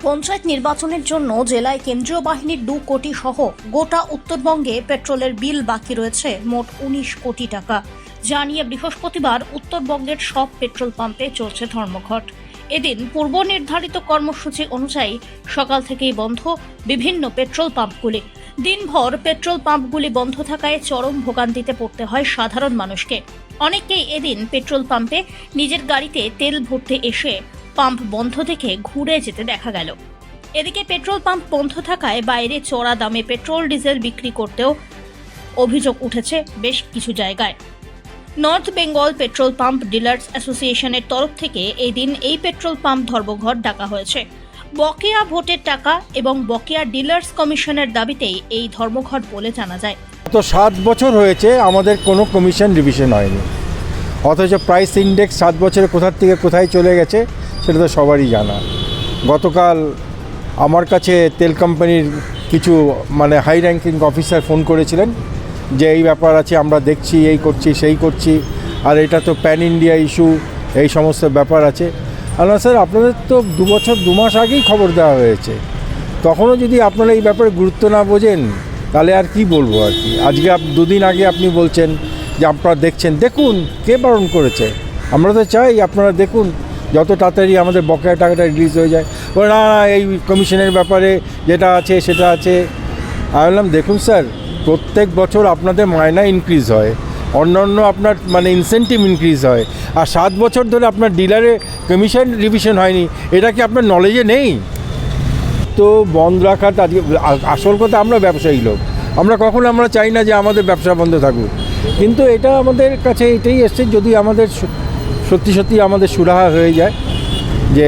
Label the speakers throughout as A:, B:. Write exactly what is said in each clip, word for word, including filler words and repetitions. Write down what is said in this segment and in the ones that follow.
A: পঞ্চায়েত নির্বাচনের জন্য জেলায় কেন্দ্রীয় বাহিনীর দু কোটি সহ গোটা উত্তরবঙ্গে পেট্রোলের বিল বাকি রয়েছে মোট উনিশ কোটি টাকা। জানিয়ে বৃহস্পতিবার উত্তরবঙ্গের সব পেট্রোল পাম্পে চলছে ধর্মঘট। এদিন পূর্ব নির্ধারিত কর্মসূচি অনুযায়ী সকাল থেকেই বন্ধ বিভিন্ন পেট্রোল পাম্পগুলি। দিনভর পেট্রোল পাম্পগুলি বন্ধ থাকায় চরম ভোগান্তিতে পড়তে হয় সাধারণ মানুষকে। অনেকেই এদিন পেট্রোল পাম্পে নিজের গাড়িতে তেল ভরতে এসে পাম্প বন্ধ দেখে ঘুরে যেতে দেখা গেল। এদিকে পেট্রোল পাম্প বন্ধ থাকায় বাইরে চড়া দামে পেট্রোল ডিজেল বিক্রি করতেও অভিযোগ উঠেছে বেশ কিছু জায়গায়। North Bengal petrol pump dealers অ্যাসোসিয়েশনের তরফ থেকে এই দিন এই পেট্রোল পাম্প ধর্মঘট ডাকা হয়েছে। বকেয়া ভোটের টাকা এবং বকেয়া ডিলার্স কমিশনের দাবিতেই এই ধর্মঘট বলে জানা যায়।
B: তো সাত বছর হয়েছে আমাদের কোনো কমিশন রিভিশন হয়নি, অথচ প্রাইস ইন্ডেক্স সাত বছরে কোথার থেকে কোথায় চলে গেছে সেটা তো সবারই জানা। গতকাল আমার কাছে তেল কোম্পানির কিছু মানে হাই র্যাঙ্কিং অফিসার ফোন করেছিলেন যে এই ব্যাপার আছে, আমরা দেখছি, এই করছি সেই করছি, আর এটা তো প্যান ইন্ডিয়া ইস্যু, এই সমস্ত ব্যাপার আছে। আল্লাহ স্যার, আপনাদের তো দু বছর দু মাস আগেই খবর দেওয়া হয়েছে, তখনও যদি আপনারা এই ব্যাপারে গুরুত্ব না বোঝেন তাহলে আর কি বলবো আর কি। আজকে দুদিন আগে আপনি বলছেন যে আপনারা দেখছেন, দেখুন, কে বারণ করেছে? আমরা তো চাই আপনারা দেখুন, যত তাড়াতাড়ি আমাদের বকেয়া টাকাটা রিলিজ হয়ে যায়। বলে না না এই কমিশনের ব্যাপারে যেটা আছে সেটা আছে। আমি বললাম দেখুন স্যার, প্রত্যেক বছর আপনাদের মায়না ইনক্রিজ হয়, অন্যান্য আপনার মানে ইনসেন্টিভ ইনক্রিজ হয়, আর সাত বছর ধরে আপনার ডিলারে কমিশন রিভিশন হয়নি, এটা কি আপনার নলেজে নেই? তো বন্ধ রাখাটা আজকে আসল কথা, আমরা ব্যবসায়ী লোক, আমরা কখনো আমরা চাই না যে আমাদের ব্যবসা বন্ধ থাকুক, কিন্তু এটা আমাদের কাছে এটাই এসছে, যদি আমাদের সত্যি সত্যি আমাদের সুরাহা হয়ে যায় যে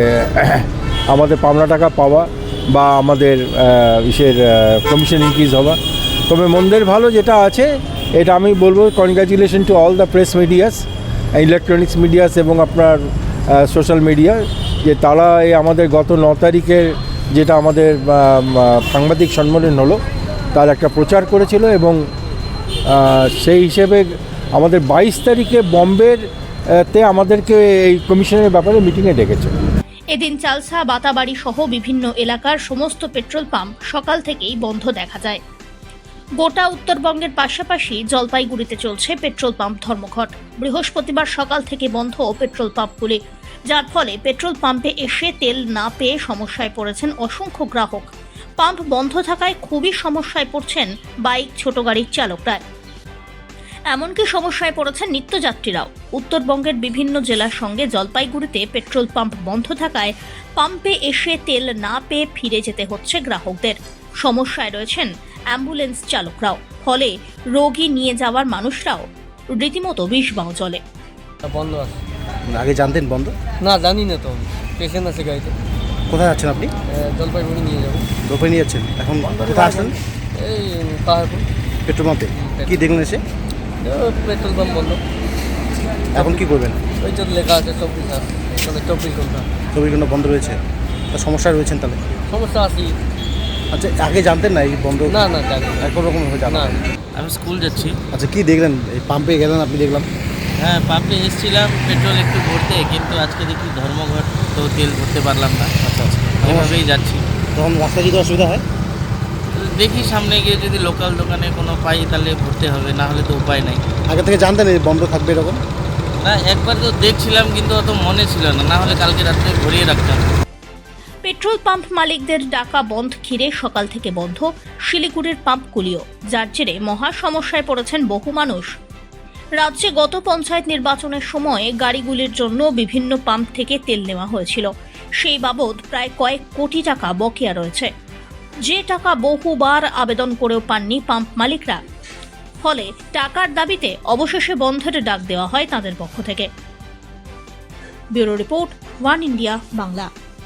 B: আমাদের পাওনা টাকা পাওয়া বা আমাদের ইসের কমিশন ইনক্রিজ হওয়া, তবে মন্দের ভালো যেটা আছে এটা আমি বলবো congratulation to all the press medias, electronics medias এবং আপনার সোশ্যাল মিডিয়া, যে তারা এই আমাদের গত ন তারিখের যেটা আমাদের সাংবাদিক সম্মেলন হলো তার একটা প্রচার করেছিল, এবং সেই হিসেবে আমাদের বাইশ তারিখে বম্বের তে আমাদেরকে এই কমিশনের ব্যাপারে মিটিংয়ে ডেকেছে।
A: এদিন চালসা, বাতাবাড়ি সহ বিভিন্ন এলাকার সমস্ত পেট্রোল পাম্প সকাল থেকেই বন্ধ দেখা যায়। গোটা উত্তরবঙ্গের পাশাপাশি জলপাইগুড়িতে চলছে পেট্রোল পাম্প ধর্মঘট। বৃহস্পতিবার সকাল থেকে বন্ধ পেট্রোল পাম্পগুলি, যার ফলে পেট্রোল পাম্পে এসে তেল না পেয়ে সমস্যায় পড়েছেন অসংখ্য গ্রাহক। পাম্প বন্ধ থাকায় খুবই সমস্যায় পড়ছেন বাইক, ছোট গাড়ির চালকরা, এমনকি সমস্যায় পড়েছেন নিত্যযাত্রীরাও। উত্তরবঙ্গের বিভিন্ন জেলার সঙ্গে জলপাইগুড়িতে পেট্রোল পাম্প বন্ধ থাকায় পাম্পে এসে তেল না পেয়ে ফিরে যেতে হচ্ছে গ্রাহকদের। সমস্যায় রয়েছেন অ্যাম্বুলেন্স চালকরাও, ফলে রোগী নিয়ে যাওয়ার মানুষরাও রীতিমতো বিষবাও চলে।
C: বন্ধ আছে।
B: আগে জানতেন বন্ধ?
C: না, জানি না তো, পেশেন্ট আছে গাড়িতে।
B: কোথায় আছেন আপনি?
C: জলপাইগুড়ি নিয়ে যাবো।
B: জলপাই নিয়ে যাচ্ছেন? এখন কোথায় আসলেন?
C: এই পাহাড়পুর
B: পেট্রোল পাম্পে। কি দেখলেন এসে?
C: পেট্রোল পাম্প বন্ধ।
B: এখন কি করবেন? ওই
C: তো লেখা আছে চব্বিশ ঘন্টা, তাহলে চব্বিশ ঘন্টা
B: চব্বিশ ঘন্টা বন্ধ রয়েছে, তা সমস্যা রয়েছেন তাহলে?
C: সমস্যা আছে।
B: আচ্ছা, আগে জানতেন না এই বন্ধ?
C: না না জানি না,
B: কোনো রকম জানা
C: না।
D: আমি স্কুল যাচ্ছি।
B: আচ্ছা, কি দেখলেন? এই পাম্পে গেলেন আপনি, দেখলাম।
D: হ্যাঁ, পাম্পে এসেছিলাম পেট্রোল একটু ভরতে, কিন্তু আজকে দেখি ধর্মঘট, তো তেল ভরতে পারলাম না।
B: আচ্ছা আচ্ছা,
D: এভাবেই যাচ্ছি।
B: তখন রাস্তায় যদি অসুবিধা হয়
D: দেখি সামনে গিয়ে যদি লোকাল দোকানে কোনো পাই তাহলে ভরতে হবে, না হলে তো উপায় নাই।
B: আগে থেকে জানতেন এই বন্ধ থাকবে এরকম?
D: না, একবার তো দেখছিলাম কিন্তু অত মনে ছিল না, না হলে কালকে রাত্রে ভরিয়ে রাখতাম।
A: পেট্রোল পাম্প মালিকদের ডাকা বন্ধ ঘিরে সকাল থেকে বন্ধ শিলিগুড়ির পাম্পগুলিও, যার জেরে মহা সমস্যায় পড়েছেন বহু মানুষ। রাজ্যে গত পঞ্চায়েত নির্বাচনের সময় গাড়িগুলির জন্য বিভিন্ন পাম্প থেকে তেল নেওয়া হয়েছিল, সেই বাবদ প্রায় কয়েক কোটি টাকা বকেয়া রয়েছে, যে টাকা বহুবার আবেদন করেও পাননি পাম্প মালিকরা। ফলে টাকার দাবিতে অবশেষে বন্ধের ডাক দেওয়া হয় তাদের পক্ষ থেকে। Bureau report, One India Bangla.